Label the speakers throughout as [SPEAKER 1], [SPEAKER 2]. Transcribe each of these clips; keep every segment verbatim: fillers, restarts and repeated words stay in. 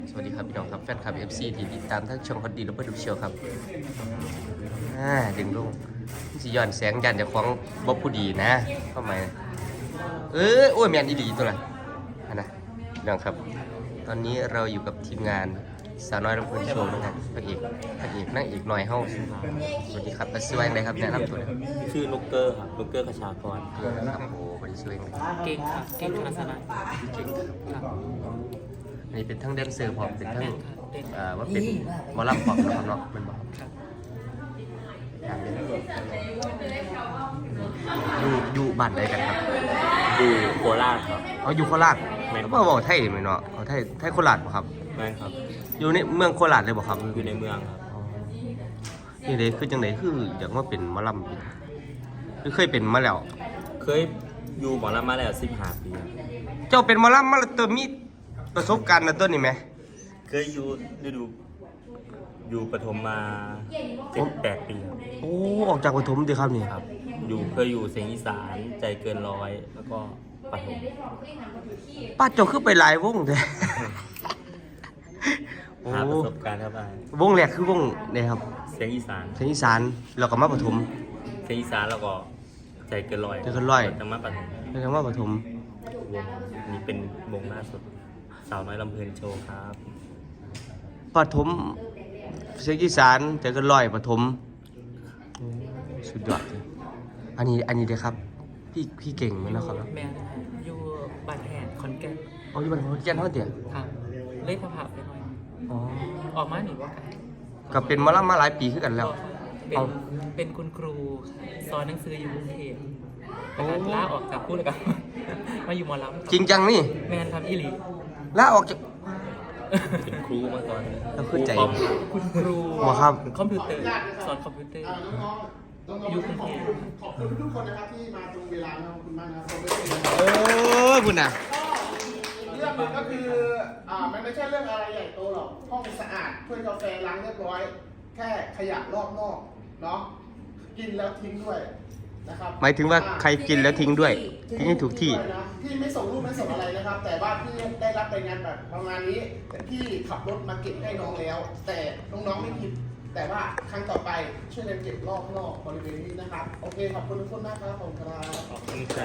[SPEAKER 1] สวัสดีครับพี่น้องครับแฟนคลับ เอฟ ซี ที่ติดตามทั้งช่องคอนดีและเพื่อนดูเชียวครับอ่าดึงลงสิย้อนแสงยันจากของบ๊อบผู้ดีนะเข้ามาเออโอ้ยแมนอีหลีตัวละอันนะพี่น้องครับ ตอนนี้เราอยู่กับทีมงานสาวน้อยลำเพลินโชว์นะครับพระเอกพระเอกนั่งเอกหน่อยเฮ้าสวัสดีครับมาช่วยอะไรครับแนะนำตัวหน่อย
[SPEAKER 2] ชื่อนุกเกอร์ครับนุกเกอร์ขชากร
[SPEAKER 1] ครับโอ้บริสุทธิ์เลย
[SPEAKER 3] เก่งครับเก่งคณะสนะ
[SPEAKER 1] เก่งครับ
[SPEAKER 3] ครับ
[SPEAKER 1] อันนี้เป็นทั้งแดนเซอร์พร้อมเป็นทั้ง
[SPEAKER 3] แม่นครับเด่น
[SPEAKER 1] เอ่อว่าเป็นหมอลำพร้อมนะครับเนาะมันบอก
[SPEAKER 3] ครับ
[SPEAKER 1] อย่างนี้อยู่อยู่บ้านใดกันครับ
[SPEAKER 2] อยู่โคราชครับ
[SPEAKER 1] เอาอยู่โคราช
[SPEAKER 2] แม่น
[SPEAKER 1] แล้วมาบอกไทยไหมเนาะเอาไทยไทยโคราชบ่ครับ
[SPEAKER 2] แม่นครับ
[SPEAKER 1] อยู่ในเมืองโคราชเลยบ่ครับ
[SPEAKER 2] อยู่ในเมืองครับ
[SPEAKER 1] นี่เลยคือจังไดคืออยากมาเป็นหมอลำอีกหรือเคยเป็นมาแล้ว
[SPEAKER 2] เคยอยู่หมอลำมาแล้วสิบห้าปีครับ
[SPEAKER 1] เจ้าเป็นหมอลำมาแล้วตัวมีประสบการณ์นะตัวนี้ไหม
[SPEAKER 2] เคยอยู่ฤดูอยู่ปฐมมาเจ็ดแปดปีครับ
[SPEAKER 1] โอ้ออกจากปฐมดีครับนี่
[SPEAKER 2] ครับ อยู่เคยอยู่เสียงอีสานใจเกินร้อยแล้วก็ปฐม
[SPEAKER 1] ป้าเจ้าคือไปหลายวงแท้ โอ้
[SPEAKER 2] หาประสบการณ์เข้าไป
[SPEAKER 1] วงแรกคือวงนี่ครับ
[SPEAKER 2] เสียงอีสาน
[SPEAKER 1] เสียงอีสานแล้วก็มาปฐม
[SPEAKER 2] เสียงอีสานแล้วก็ใจเกินร้อย
[SPEAKER 1] ใจเกินร้อย
[SPEAKER 2] จังมาปฐม
[SPEAKER 1] แล้วก็มาปฐม
[SPEAKER 2] วงนี้เป็นวงล่าสุดสาวน้อยลำเพลินโชว์ครับ
[SPEAKER 1] ปฐมเสียงอีสานแต่ก็ลอยปฐมสุดยอดเลยอันนี้อันนี้เลยครับ พี่พี่เก่งไหมนะครับ
[SPEAKER 3] แม่นะครับอยู่บ้านแหนขอนแก่น
[SPEAKER 1] เอาอยู่บ้านของเจ้าเท่าเดียว
[SPEAKER 3] ครับเล่นผ่าไปหน่อย
[SPEAKER 1] อ๋อ
[SPEAKER 3] ออกมาหนีว่าไกล
[SPEAKER 1] ก็เป็นหมาละมาหลายปีขึ้นกันแล้ว
[SPEAKER 3] เป็น
[SPEAKER 1] เอา
[SPEAKER 3] เป็นคุณครูสอนหนังสืออยู่กรุงเทพ
[SPEAKER 1] โอ้
[SPEAKER 3] ลาออกจากพูดเลยครับ มาอยู่หมอลำ
[SPEAKER 1] จริงจังนี่
[SPEAKER 3] แมนครับอีหลี
[SPEAKER 1] ลาออกจาก
[SPEAKER 2] เป็นครูมาก่อน
[SPEAKER 1] เราเข้าใจ
[SPEAKER 2] ครูคอม
[SPEAKER 3] คุณครู
[SPEAKER 1] หมอครับ
[SPEAKER 3] คอมพิวเตอร์สอนคอมพิวเตอร์อยู่กรุงเทพ
[SPEAKER 4] ขอบคุณทุกคนนะครับที่มาตรงเวลานะครับขอบคุณมากนะครับผมไม่เป็น
[SPEAKER 1] โอ้ยคุณน่ะ
[SPEAKER 4] เรื่องมันก็คืออ่ามันไม่ใช่เรื่องอะไรใหญ่โตหรอกห้องสะอาดถ้วยกาแฟล้างเรียบร้อย แค่ขยะรอบนอกเนาะกินแล้วทิ้งด้วยนะครับ
[SPEAKER 1] หมายถึงว่าใครกินแล้วทิ้งด้วยทิ้งให้ถูกที่
[SPEAKER 4] ด้วยนะพี่ไม่ส่งรูปไม่ส่งอะไรนะครับ แต่ว่าพี่ได้รับรายงานแบบประมาณนี้แต่พี่ขับรถมาเก็บให้น้องแล้ว แต่น้องๆไม่ผิด แต่ว่าครั้งต่อไปช่วยกันเก็บรอบนอกบริเวณนี้นะครับโอเคขอบคุณทุกคนนะครับขอบคุณครับ
[SPEAKER 2] ขอบคุณครับ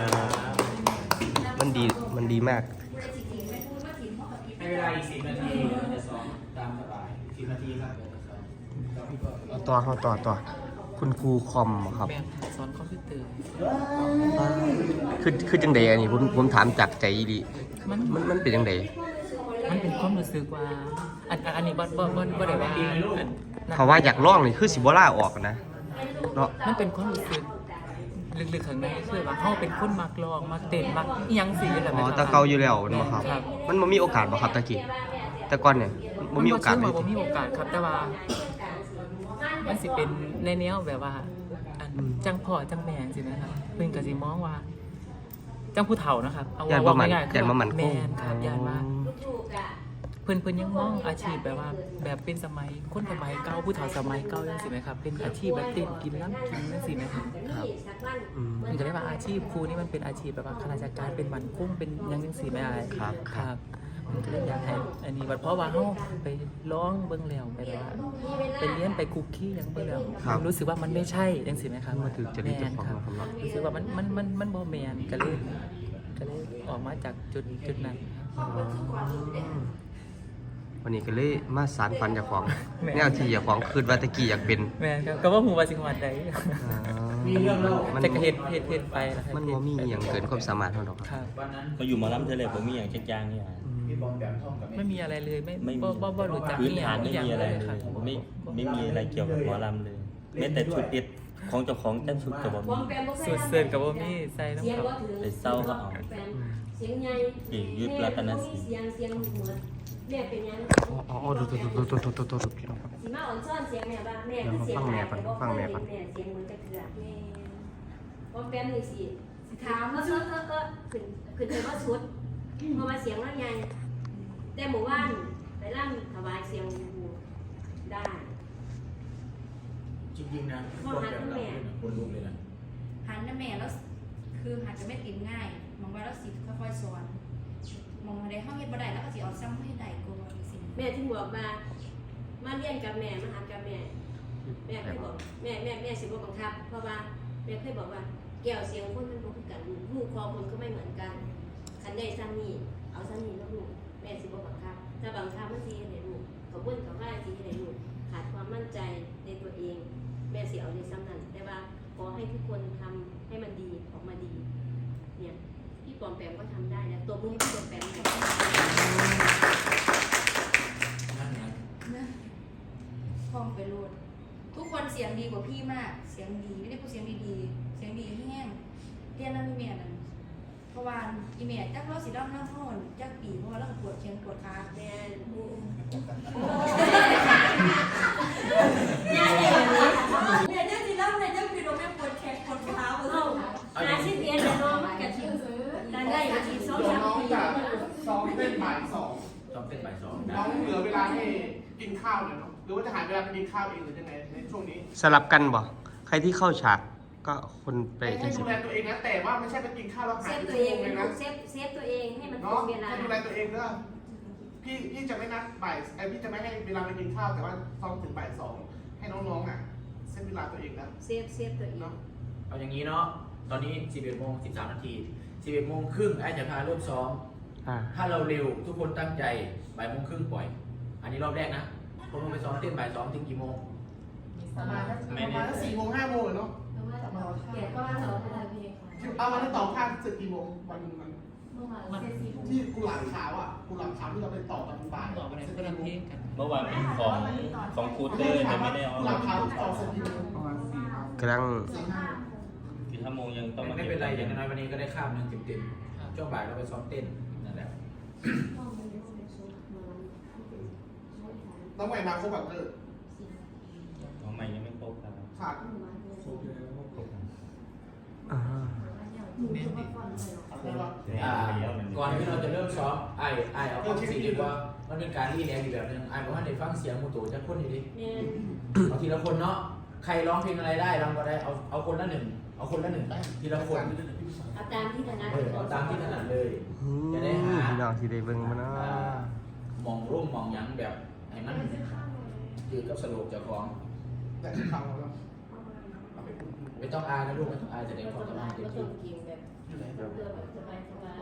[SPEAKER 1] มันดีมันดีมาก
[SPEAKER 5] ในเวลาอีกสิบนาทีเราจะซ้อมตามสบายสิบนาทีครับ
[SPEAKER 1] เอาต่อเอาต่อต่อคุณครูคอมเหรอครับ
[SPEAKER 3] แมนสอนคอมพิวเตอร์
[SPEAKER 1] คือคือจังไดอันนี้ผมผมถามจากใจดี
[SPEAKER 3] มัน
[SPEAKER 1] มันมันเป็นจังได
[SPEAKER 3] มันเป็นความรู้สึกว่าอันอันอันนี้บ่บ่บ่บ่ได้ว่าอัน
[SPEAKER 1] เขาว่าอยากลองนี่คือสิบ่ล่าออกนะเนาะ
[SPEAKER 3] มันเป็นความรู้สึกลึกๆข้างในคือว่าเฮาเป็นคนมักร้องมักเต้นมักอีหยังสิแหละ
[SPEAKER 1] อ๋อ
[SPEAKER 3] แม่น
[SPEAKER 1] แตะเกาอยู่แล้วมันบ่ครับ
[SPEAKER 3] ครับ
[SPEAKER 1] มันบ่มีโอกาสบ่ครับตะกี้แต่ก่อนเนี่ยบ่มีโอกาส
[SPEAKER 3] เล
[SPEAKER 1] เลย ย
[SPEAKER 3] บ่มีโอกาสครับแต่ว่า มันสิเป็นในแนวแบบว่าอันจังพ่อจังแม่สินะครับเพิ่นก็สิมองว่า จังผู้เฒ่านะครับเอา
[SPEAKER 1] ย่านบ่
[SPEAKER 3] ว่า
[SPEAKER 1] มัน
[SPEAKER 3] ง่ายๆคื
[SPEAKER 1] ย่านบ่มันค
[SPEAKER 3] แม่
[SPEAKER 1] ง
[SPEAKER 3] นครับย่านว่าเพิ่นเพิ่นยังมองอาชีพแบบว่า แบบเป็นสมัยคนสมัยเก่าผู้เฒ่าสมัยเก่าจังซี่ไหมครับเป็นอาชีพแบบเต้นกินน้ำกินจังซี่ไหมครับ
[SPEAKER 1] ครับอืม
[SPEAKER 3] มันก็เรียกว่าอาชีพครูนี่มันเป็นอาชีพแบบว่าข้าราชการเป็นหมันกุ้งเป็นหยังจังซี่ไหมอะไร
[SPEAKER 1] ครับครับ
[SPEAKER 3] มันก็เลยอยากให้อันนี้บัดเพราะว่าเฮาไปร้องเบิ่งแล้วไปว่าไปเรียนไปคุกกี้หยังเบิ่งแล้วรู้สึกว่ามันไม่ใช่จังซี่ไหมครับ
[SPEAKER 1] มาถึงจะได้เจ้าของ
[SPEAKER 3] แม่น
[SPEAKER 1] นะครับเนาะ
[SPEAKER 3] รู้สึกว่ามันมันมันมันบ่แม่นก็เลยก็เลยออกมาจากจุดจุดนั้น
[SPEAKER 1] วันนี้ก็เลยมาสารฝันเจ้าของ
[SPEAKER 3] แม่
[SPEAKER 1] แนวที่เจ้าของคืนว่าตะกี้อยากเป็น
[SPEAKER 3] แม่นครับก็ว่าฮู้ว่าสิฮอดใด
[SPEAKER 1] อ่ามัน
[SPEAKER 3] แต่ก็เฮ็ดเฮ็ดเฮ็ดไปล่ะครับ
[SPEAKER 1] มันบ่มีอหย่างเกินความสามารถเท่าดอก
[SPEAKER 3] ค
[SPEAKER 1] ครับ
[SPEAKER 3] รับ
[SPEAKER 2] มาอยู่หมอลำเทเลผมมีอย่างจักอย่างเนี่ย
[SPEAKER 5] พี่บอลแบบท่องกับ
[SPEAKER 3] ไม่มีอะไรเลยไม่
[SPEAKER 2] ไม่มี
[SPEAKER 3] บ่บ่บ่รู้จัก
[SPEAKER 2] พื้นฐาน
[SPEAKER 3] อี
[SPEAKER 2] ไม่
[SPEAKER 3] หยัง
[SPEAKER 2] มีอะไร
[SPEAKER 3] เลย
[SPEAKER 2] เล
[SPEAKER 3] ครั
[SPEAKER 2] ย
[SPEAKER 3] บ
[SPEAKER 2] ไม่ไม่มีอะไรเกี่ยวกับหมอลำเลยแม้แต่ชุดเด็ดของเจ้าของแต่ชุดกับผม
[SPEAKER 3] สุดเสิร์นกับบ่มีใส่น้ำ
[SPEAKER 6] เสียง
[SPEAKER 3] เขา
[SPEAKER 6] ว่าถือ
[SPEAKER 2] ไปเศร้าก็เอา
[SPEAKER 6] เสียงใหญ่
[SPEAKER 2] เอกยุทธรัตนศรี
[SPEAKER 6] เสียงเสียงเหมือนแม่เป็นยัง
[SPEAKER 1] อ๋ออ๋อดูดูดูดูดูดูดูดูพี่น้องครับ
[SPEAKER 6] สิมาอ่อนซ่อนเสียงแม่บ้างแม่คือเสียงแม่เสียงเหมือนจะเกลือแม่ว่าแป๊บนึงสิถามว่าเออเออเออขึ้นขึ้นไปว่าชุดเพราะว่าเสียงว่าใหญ่แต่หมู่บ้านไปร่ำถวายเสียงได้
[SPEAKER 5] จริงๆนะบอลแบบเราคนลุกเลยนะ
[SPEAKER 7] หันนะแม่แล้วคือหันจะไม่ติดง่ายมองว่าแล้วสิค่อยๆสอนมองอะไรห้องเฮ็ดบ่ได้แล้วก็สิเอาซ้ำให้ได้กลัวสิ
[SPEAKER 6] แม่ถึงบอกมามาเรียนกับแม่มาหากับแม่แม่เคยบอกแม่แม่แม่สิบ่บังคับเพราะว่าแม่เคยบอกว่าแก้วเสียงคนมันบ่คือกันหูคอคนก็ไม่เหมือนกันคันได้ซ้ำนี่เอาซ้ำนี่แล้วลูกแม่สิบ่บังคับถ้าบังคับมันสิเฮ็ดให้ลูกกับเพิ่นกับว่าสิเฮ็ดให้ลูกขาดความมั่นใจในตัวเองแม่สิเอาในซ้ำนั้นแต่ว่าขอให้ทุกคนทำให้มันดีออกมาดีเนี่ยพี่ปอมแปมก็ทำได้นะตัวมือให้พี่ปอมแปมหน่อย
[SPEAKER 5] นั่นไง
[SPEAKER 7] ห้องไปโลดทุกคนเสียงดีกว่าพี่มาก เสียงดีไม่ได้พูดเสียงดีๆเสียงดีแห้งเรียนแล้วมีเมียนั่นเพราะว่าอีเมียจักเราสิด้อมหน้าห้องจักปีเพราะว่าเราปวดแขนปวดขา
[SPEAKER 6] แม่
[SPEAKER 7] เมียจักสิด้อมในจักปีเราไม่ปวดแขนปวดขาปวด
[SPEAKER 6] เอาหาสิเรียนน้องกับที่การได้กับที่สอง
[SPEAKER 4] เดี๋ยว
[SPEAKER 6] สาม
[SPEAKER 4] น้อง
[SPEAKER 6] ปี
[SPEAKER 4] จะซ้อมเต้นบ่ายสอง
[SPEAKER 5] ต้องเป็นบ่ายสอง
[SPEAKER 4] น้องเหลือเวลาให้กินข้าวเนี่ยเนาะหรือว่าจะหาเวลาไปกินข้าวเองหรือยังไงในช่วงนี้
[SPEAKER 1] สลับกันบ่ใครที่เข้าฉากก็คนไป
[SPEAKER 4] ให้
[SPEAKER 1] จัง
[SPEAKER 4] ดู
[SPEAKER 1] สิ
[SPEAKER 4] แลตัวเองนะแต่ว่าไม่ใช่ไปกินข้าวแล้ว
[SPEAKER 6] เซ
[SPEAKER 4] หาย
[SPEAKER 6] ฟ
[SPEAKER 4] ไป
[SPEAKER 6] ตัว
[SPEAKER 4] ชั่ว
[SPEAKER 6] เอง
[SPEAKER 4] โมงเลย
[SPEAKER 6] ลู
[SPEAKER 4] นะ
[SPEAKER 6] กเซฟเซฟตัวเองให้มันตร
[SPEAKER 4] เนาะ
[SPEAKER 6] งเวลา
[SPEAKER 4] ให้ดูแลตัวเองเด้อพี่พี่จะไม่นัดบ่ายไอพี่จะไม่ให้เวลาไปกินข้าวแต่ว่าซ้อมถึงบ่ายสองให้น้องๆอ่ะเส้นเวลาตัวเองนะ
[SPEAKER 6] เซฟเซฟตัวเอง
[SPEAKER 4] เนาะ
[SPEAKER 5] เอาอย่างนี้เนาะตอนนี้สิบเอ็ดโมงสิบสามนาทีสิบเอ็ดโมงครึ่งไอ้จะพาเริ่มซ้อม
[SPEAKER 1] อ่า
[SPEAKER 5] ถ้าเราเร็วทุกคนตั้งใจบ่ายโมงครึ่งปล่อย อันนี้รอบแรกนะผมลงไปซ้อมเต้นบ่ายสองถึงกี่โมง
[SPEAKER 4] ประมาณนั้นประมาณสี่โมงห้าโมงเนาะ
[SPEAKER 6] เกียรติก็ว่าเราเป็นอะไรเพลง
[SPEAKER 4] เอาวันนั้นต่อข้างสึกกี่โมงวันมัน
[SPEAKER 7] เมื่อวานเสร็จสี่ทุ่ม
[SPEAKER 4] ที่กุหลาบขาวอ่ะกุหลาบขาวที่เราไปต่อตอนบ่าย
[SPEAKER 3] ต่อไปไหนก็ลำเพลงกัน
[SPEAKER 2] เมื่อวานมีของของครูเต้ยแต่ไม่ได้เอา
[SPEAKER 4] กุหลาบขาวต่อสึกกี่โมง
[SPEAKER 1] กำลัง
[SPEAKER 4] สี่ห้า
[SPEAKER 2] กี่ชั่วโมงยังต้องมา
[SPEAKER 5] ไม่เป็นไรอย่างน้อยวันนี้ก็ได้ข้ามหนึ่งเต็มๆช่วงบ่ายเราไปซ้อมเต้นนั่นแหละ
[SPEAKER 4] น้องใหม่มาครบแบบเออ
[SPEAKER 2] ของใหม่ยังไม่ครบครับ
[SPEAKER 4] ขาด
[SPEAKER 1] อ่า
[SPEAKER 5] อ่าก่อนที่เราจะเริ่มซ้อมไอ้ไอ้เอาความสิ่งดีว่ามันเป็นการรีแลกซ์อีกแบบหนึงไอ้บอกว่าในฟังเสียงมูตูจะคนอยู่ดิ
[SPEAKER 6] เนี่ย
[SPEAKER 5] เอาทีละคนเนาะใครร้องเพลงอะไรได้ร้องก็ได้เอาเอาคนละหนึ่งเอาคนละหนึ่งทีละคน
[SPEAKER 6] เอาตามที่ถนัด
[SPEAKER 5] เออเอาตามที่ถนัดเลย
[SPEAKER 1] อืม
[SPEAKER 5] จะได้หา
[SPEAKER 1] พี่น้องที่ได้เบิ่งมาเนาะ
[SPEAKER 5] มองร่มมองหยังแบบให้มันคือกับสโลกเจ้าของ
[SPEAKER 4] แต่ที่ฟังเราแล้ว
[SPEAKER 5] ไม่ต้องอายนะลูกไม่ต้องอายแสดงความสามารถเต็มที่
[SPEAKER 6] กินแบบเพื่อแบบสบายสบาย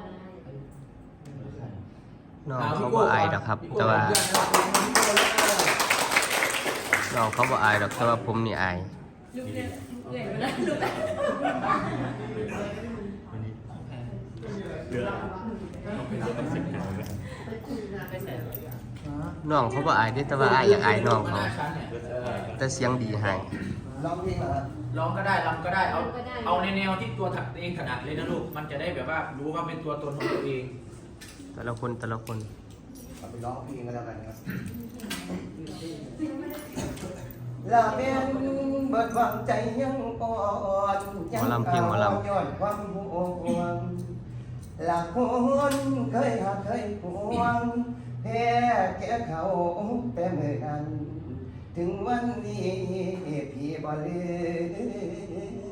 [SPEAKER 1] น้องเขาบ่อายดอกครับ แต่ว่าน้องเขาบ่อายดอกแต่ว่าผมนี่อาย
[SPEAKER 7] ลูกเนี่ยเหนื่อยมาแล้วลูก
[SPEAKER 2] เรือต้องสิบหน่อยไหม
[SPEAKER 3] ไปใส่
[SPEAKER 1] น้องเขาบ่อายเด้แต่ว่าอายอยากอายน้องเขา
[SPEAKER 5] ชั้นเนี่ยเออ
[SPEAKER 1] แต่เสียงดีให้
[SPEAKER 5] ร้องก็ได้รำก็ได้เอาเอาในแนวที่ตัวถักเองถนัดเลยนะลูกมันจะได้แบบว่ารู้ว่าเป็นตัวตนของตัวเอง
[SPEAKER 1] แต่ละคนแต่ละคน
[SPEAKER 8] เอาไปร้องเพลงกันแล้วกันครับลาเป็นเบิดหวังใจยังอ่อนยั
[SPEAKER 1] หมอลำเพียงหมอลำ
[SPEAKER 8] ย้อนความห่วงหลักคนเคยหักเคยหวงแพ้แก่เขาแต่เมื่อนั้น ถึงวันนี้พี่บ่ลืม